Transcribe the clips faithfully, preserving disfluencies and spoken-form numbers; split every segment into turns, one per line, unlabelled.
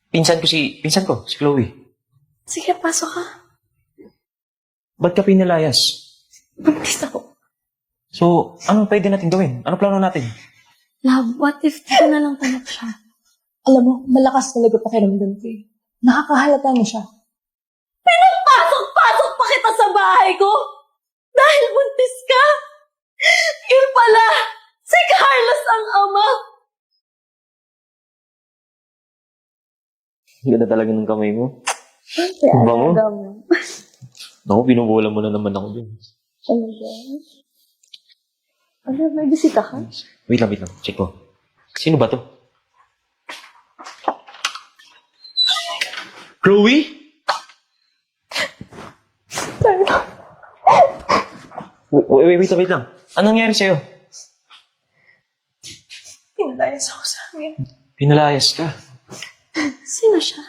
Pinsan ko si, pinsan ko, si Chloe.
Sige, pasok ka.
Ba't ka pinalayas?
Buntis ako.
So, ano pwede natin gawin? Ano plano natin?
Love, what if dito na lang tanak siya?
Alam mo, malakas talaga pakiramdam ko eh. Nakakahalata na siya.
Pinapasok-pasok pa kita sa bahay ko! Dahil buntis ka! Yun pala! Si Carlos ang ama!
Ganda talaga ng kamay mo.
Kaya
Ang bango.
alaga mo.
Naku, binubola mo na naman ako dun.
Talaga? Ano, may bisita ka?
Wait lang, wait lang. Check ko. Sino ba to? Chloe? Wait, wait, wait, wait lang. Anong nangyari sa'yo?
Pinalayas ako sa amin.
Pinalayas ka.
Sino siya?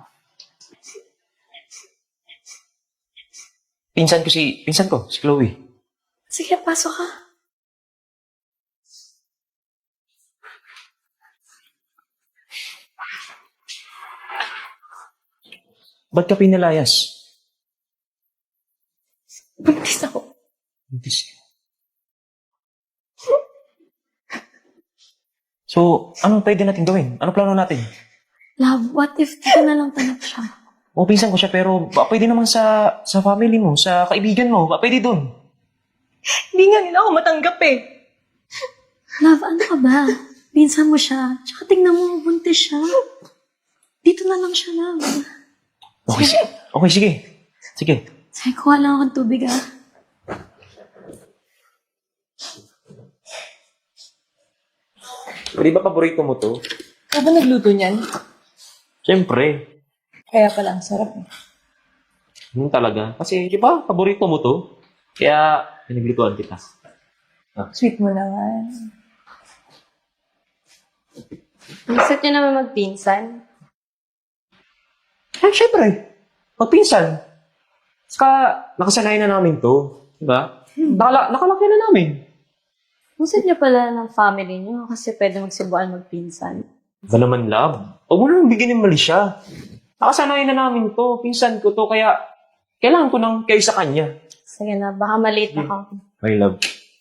Pinsan ko si, pinsan ko, si Chloe.
Sige, pasok ka.
Ba't ka pinalayas?
Buntis ako.
Buntis ka. So, ano pwede natin gawin? Ano plano natin?
Love, what if dito na lang tanak siya?
O, pinsan ko siya, pero ba, pwede naman sa sa family mo, sa kaibigan mo, ba, pwede dun.
Hindi nga nila ako matanggap eh.
Love, ano ka ba? Pinsan mo siya. Tsaka tingnan mo, buntis siya. Dito na lang siya, love.
Okay, sige. Okay, sige. Sige.
Sige, kuha lang akong tubig, ah.
Di ba paborito mo to?
Kaya ba nagluto niyan?
Siyempre.
Kaya pala, ang sarap eh.
Yun talaga. Kasi, di ba, paborito mo to? Kaya, pinaglutuan kita.
Sweet mo naman.
Gusto niyo naman magpinsan?
Eh, siyempre. Magpinsan. Saka, nakasanayan na namin to. Di ba? Nakala, nakalaki na namin.
Gusto niyo pala ng family niyo kasi pwede magsibuan magpinsan.
Ba naman, love? Huwag mo naman bigyan ng mali siya. Nakasanayan na namin to. Pinsan ko to. Kaya, kailangan ko nang kayo sa kanya.
Sige na, baka maliit na ako.
My love.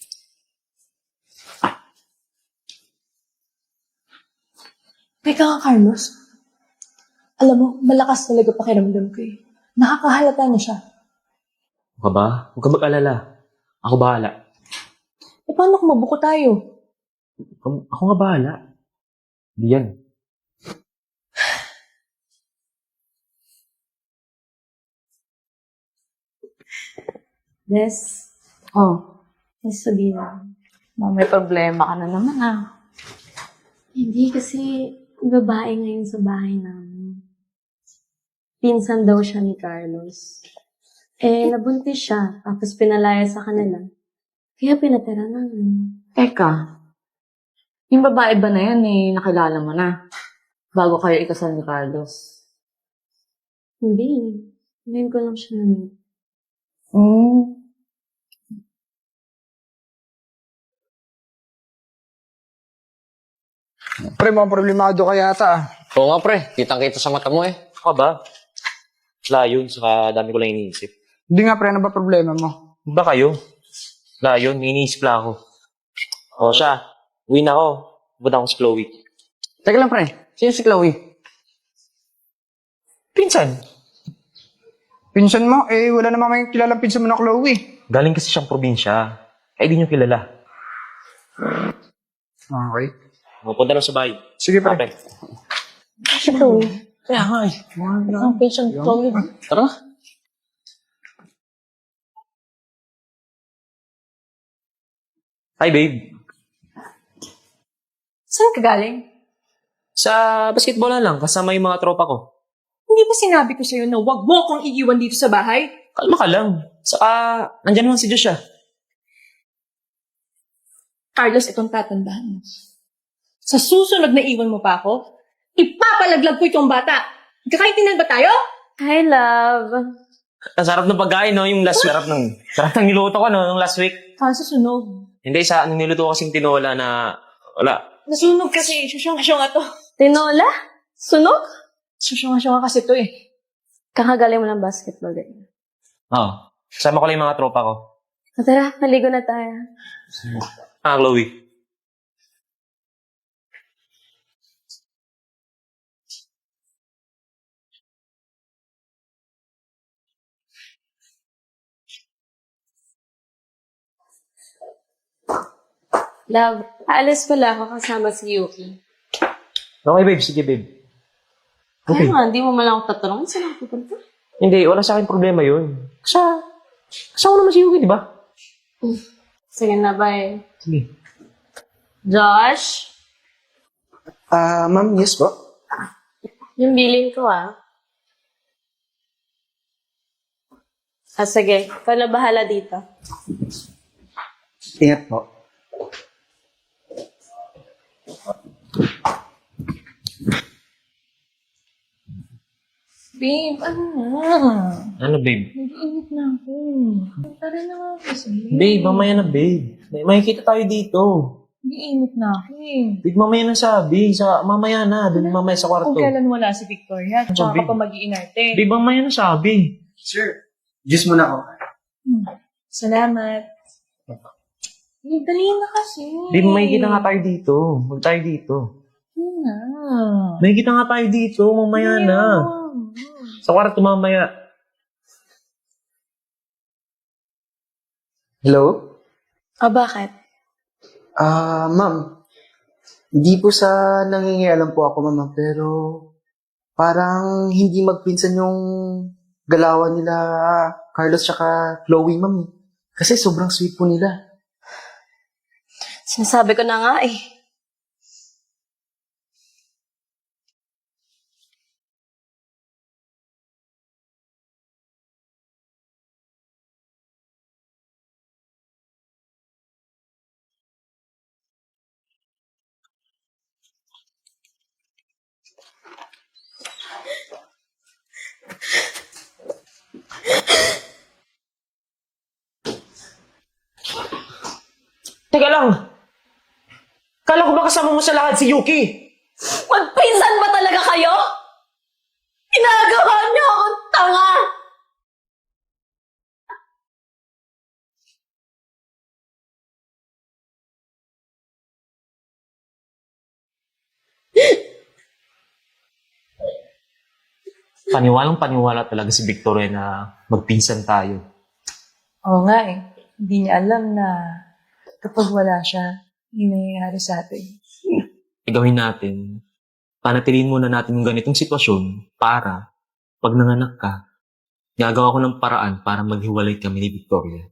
Teka nga, Carlos. Alam mo, malakas talaga pakiramdam ko eh. Nakakahalata na siya.
Ako ba? Huwag ka mag-alala. Ako bahala.
E paano kung mabuko tayo?
Ako, ako nga bahala. Hindi yan.
Yes. Oh, may sabihin mo. May problema ka na naman ah.
Hindi, kasi babae ngayon sa bahay namin. Pinsan daw siya ni Carlos. Eh, nabuntis siya, tapos pinalaya sa kanila. Kaya pinatira namin.
Teka, yung babae ba na yan eh, nakilala mo na? Bago kayo ikasal ni Carlos.
Hindi. Ngayon ko lang siya namin.
Hmm.
Pre, mga problemado ka yata ah.
Oo nga pre, kitang-kita sa mata mo eh.
Ako ba? Layon, saka dami ko lang iniisip.
Hindi nga pre, ano ba problema mo?
Ba kayo? Layon, iniisip lang ako. O siya, uwi na ako. Punta ako si Chloe.
Teka lang pre, sino si Chloe?
Pinsan.
Pinsan mo, eh wala namang may kilalang pinsan mo na Chloe.
Galing kasi siyang probinsya. Kaya di niyo kilala.
Okay.
Pupunta lang sa bahay.
Sige pre.
Okay.
Kaya nga eh.
Ang patient Chloe.
Tara.
Hi, babe.
Saan ka galing?
Sa basketball na lang, kasama yung mga tropa ko.
Hindi ba sinabi ko sa'yo na wag mo akong iiwan dito sa bahay?
Kalma ka lang. Saka, nandyan naman si Joshua.
Carlos, itong tatandaan mo. Sa susunod na iwan mo pa ako, ipapalaglag ko itong bata. Kakaintindihan ba tayo?
Hi, love.
Ang sarap ng pagkain, no? Yung last sarap ng... Sarap ng niluto ko, no? Nung last week.
Saan sa sunog?
Hindi, sa ano niluto ko kasing tinola na... Wala.
Nasunog kasi, susyong-syong ato.
Tinola? Sunog?
Susyunga-syunga kasi to eh.
Kakagaling mo ng basketball din.
Oo. Kasama ko lang yung mga tropa ko.
O tara, maligo na tayo.
Ah, Chloe.
Love, aalis pala ako kasama si Yuki.
Okay, babe. Sige, babe.
Kaya nga, hindi mo malang ako tatanungin saan ako pupunta.
Hindi, wala sa akin problema yun. Kasi, kasama naman si Yuki, di ba?
Sige na, bye.
Sige.
Josh,
Ah, ma'am, yes po.
yung billing ko ah. Ah, sige. Ikaw na bahala dito.
Ingat po.
Babe, ano na?
Ano, babe?
Nag-iinit na ako. Tara na nga kasi.
Babe, mamaya na, babe. May makikita tayo dito.
Nag-iinit na ako eh.
Babe, mamaya na sabi. Sa, mamaya na. Doon mamaya sa kwarto.
Kung kailan wala si Victoria, tsaka
babe?
ka pa mag-iinarte.
Babe, mamaya na sabi.
Sir, juice muna ako.
Hmm. Salamat. Eh, dali na kasi.
Babe, makikita nga tayo dito. Huwag tayo dito.
Yun na.
Makikita nga tayo dito. Mamaya na. Sa kwarto mamaya.
Hello?
O bakit?
Ah, ma'am. Hindi po sa nangingialam po ako, ma'am, pero parang hindi magpinsan yung galawan nila Carlos tsaka Chloe, ma'am. Kasi sobrang sweet po nila.
Sinasabi ko na nga eh.
Teka lang! Kala ko ba kasama mo sa lakad si Yuki?
Magpinsan ba talaga kayo? Ginagawa niyo akong tanga!
Paniwalang paniwala talaga si Victoria na magpinsan tayo.
Oo nga eh. Hindi niya alam na kapag wala siya, hindi nangyayari sa atin.
Igawin natin, panatiliin muna natin yung ganitong sitwasyon para pag nanganak ka, gagawa ko ng paraan para maghiwalay kami ni Victoria.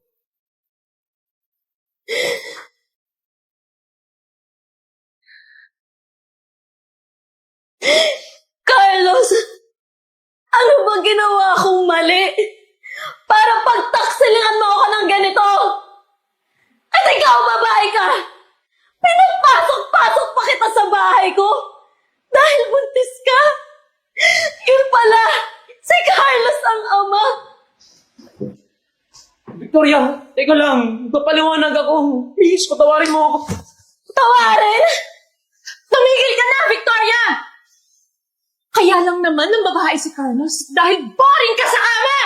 Carlos! Ano ba ginawa kong mali? Para pagtaksilingan mo ako ng ganito! At ikaw, babae ka! Pinagpasok-pasok pa kita sa bahay ko! Dahil buntis ka! Yun pala! Si Carlos ang ama!
Victoria, teka lang, magpapaliwanag ako. Please, patawarin mo ako.
Tawarin!
Tumigil ka na, Victoria! Kaya lang naman ng babae si Carlos dahil boring ka sa ama!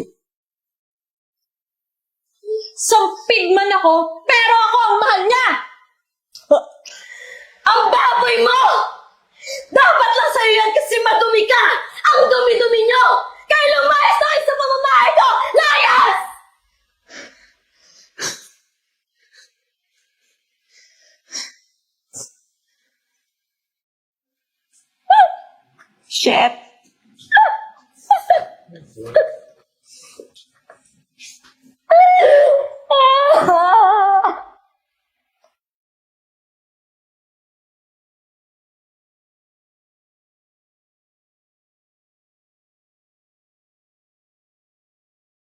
Sampid man ako, pero ako ang mahal niya!
Ang baboy mo! Dapat lang sa'yo yan kasi madumi ka! Ang dumi-dumi nyo! Kaya lumayas na kayo sa pamamahay ko! Layas!
Shit!